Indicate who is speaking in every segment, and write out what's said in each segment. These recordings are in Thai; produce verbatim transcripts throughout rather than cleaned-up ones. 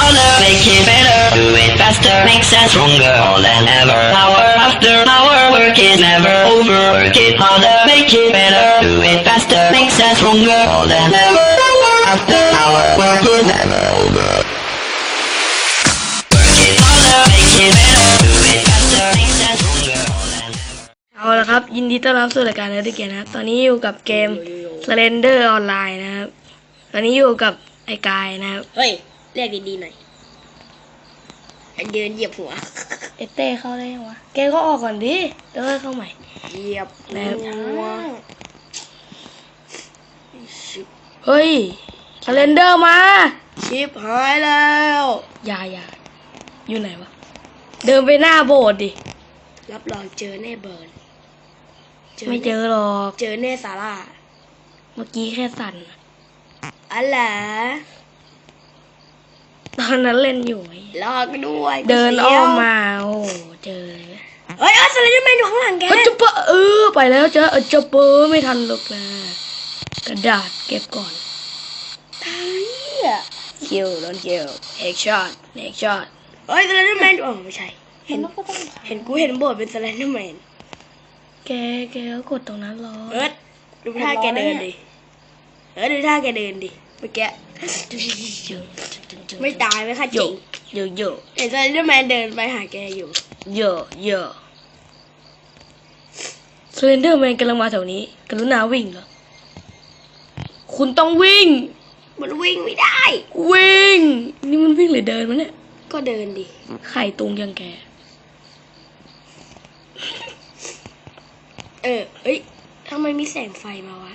Speaker 1: harder, make it better. Do it faster, makes us stronger more than ever. Power after power, work is never over. Work it harder, make it better. Do it faster, makes us stronger more than ever. Power after power, work is never over. Work it harder, make it better. Do it faster, makes us stronger more than ever.
Speaker 2: เอาละครับยินดีต้อนรับสู่รายการเนื้อที่เกียรนะครับตอนนี้อยู่กับเกม Slender Online นะครับตอนนี้อยู่กับไอ้กายนะครับ
Speaker 3: เฮ้ยเรียกดีๆหน่อยเดินเหยียบหัว
Speaker 2: เอเต้เข้าได้ยังวะแกก็ออกก่อนดิแล้วค่อยเข้าใหม่
Speaker 3: เหยียบ
Speaker 2: แล้ว
Speaker 3: หัว
Speaker 2: เฮ้ย Slender มา
Speaker 3: ชิบหายแล้ว
Speaker 2: อย่าอย่าอยู่ไหนวะเดินไปหน้าโบสถ์ดิ
Speaker 3: รับรองเจอแน่เบิร์น
Speaker 2: ไม่เจอหรอก
Speaker 3: เจอแน่ซาร่า
Speaker 2: เมื่อกี้แค่สั่น
Speaker 3: อะไร
Speaker 2: ตอนนั้นเล่นอยู่ไอ้
Speaker 3: ลอกด้วย
Speaker 2: เดินอ้อมมาโอ้เจอเลย
Speaker 3: เฮ้ยเออสไลเดอร์แมนอยู่ข้างหลังแก
Speaker 2: เฮ้ยจะเปะเออไปแล้วเจอเออจะเปอไม่ทันหรอกนะกระดาษเก็บก่อน
Speaker 3: เฮ้ย
Speaker 2: คิวโดนคิวเอ็กช็อตเอ็กช็อต
Speaker 3: เฮ้ยสไลเดอร์แมนอ๋อไม่ใช่เห็นเห็นกูเห็นโบสถ์เป็นสไลเดอร์แมน
Speaker 2: แกแกก็กดตรงนั้นรอ
Speaker 3: เอิร์ดดูท่าแกเดินดิเอิร์ดดูท่าแกเดินดิเมื่อกี้ไม่ตายไหมคะจ
Speaker 2: โย
Speaker 3: ริง
Speaker 2: โยโย
Speaker 3: เห็นสไลเดอร์แมนเดินไปหาแกอยู่
Speaker 2: โยโยสเลนเดอร์แมนกำลังมาแถวนี้กรุณาวิ่งเหรอคุณต้องวิ่ง
Speaker 3: มันวิ่งไม่ได้
Speaker 2: วิ่งนี่มันวิ่งหรือเดินวะเนี่ย
Speaker 3: ก็เดินดิ
Speaker 2: ไข่ตุงยังแก
Speaker 3: เออเอ้ยทำไมมีแสงไฟมาวะ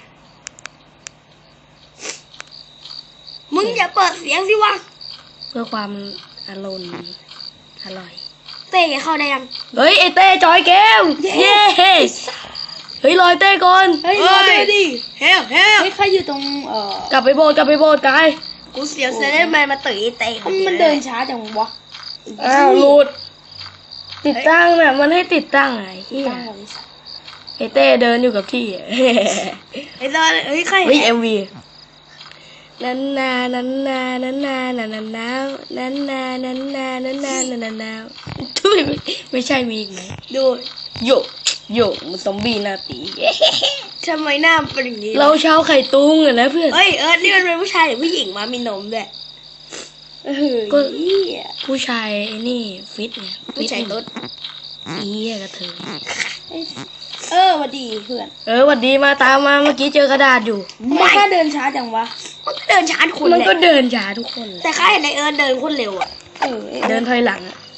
Speaker 3: มึงอย่าเปิดเสียงสิวะ
Speaker 2: เพื่อความอารมณ์อร่อย
Speaker 3: เต้แกเข้าได้ยัง
Speaker 2: เฮ้ยไอเต้จอยเกมเย้เฮ้ยรอยเต้ก่อน
Speaker 3: เฮ้ยรอด้วยดิเฮลเฮล
Speaker 4: เฮ้ยใครอยู่ตรงเอ่อก
Speaker 2: ลับไปโบสถ์กลับไปโบสถ์กาย
Speaker 3: กูเสียวเซเลนแมนมาตื่นไอ้เต้ค
Speaker 4: มันเดินช้าจังวะ
Speaker 2: อ้าวหลุดติดตั้งน่ะมันให้ติดตั้งไงเฮีย
Speaker 4: ตั้งบริษัท
Speaker 2: ไอเต้เดินอยู่กับที่
Speaker 3: ไอ้ตอนเฮ้ยใคร
Speaker 2: เฮ้ยเอ็มวีนันนานันนานันนานันนานันนานันนานันนานันนานันนาทุยไม่ใช่มีอีกไหม
Speaker 3: ดู
Speaker 2: โยโยมันซอมบี้หน้าตี
Speaker 3: ทำไมหน้ามันเป็นอย่างนี้
Speaker 2: เราชาวไข่ตุงอะนะเพื่อน
Speaker 3: เฮ้ยเอิร์ดนี่มันเป็นผู้ชายหรือผู้หญิงมามีนมด้วยเออ
Speaker 2: ก็
Speaker 3: เหี้ย
Speaker 2: ผู้ชายไอ้นี่ฟิตไง
Speaker 3: ผู้ชายตุ๊ด
Speaker 2: อีเหี้ยกระเทย
Speaker 4: เออสวัสดีเพื่อน
Speaker 2: เออหวัดดีมาตามมาเมื่อกี้เจอกระดาษอยู่
Speaker 4: ไม่ค่าเดินช้าจังวะ
Speaker 3: มันก็เดินช้าทุกคน
Speaker 2: มัน
Speaker 3: เลย
Speaker 2: ก็เดินช้าทุกคนเลย
Speaker 3: แต่ข้าเห็นไอเอิร์ดเดินโคนเร็วอ่ะ
Speaker 4: เออ
Speaker 2: เดินถอยหลังอะ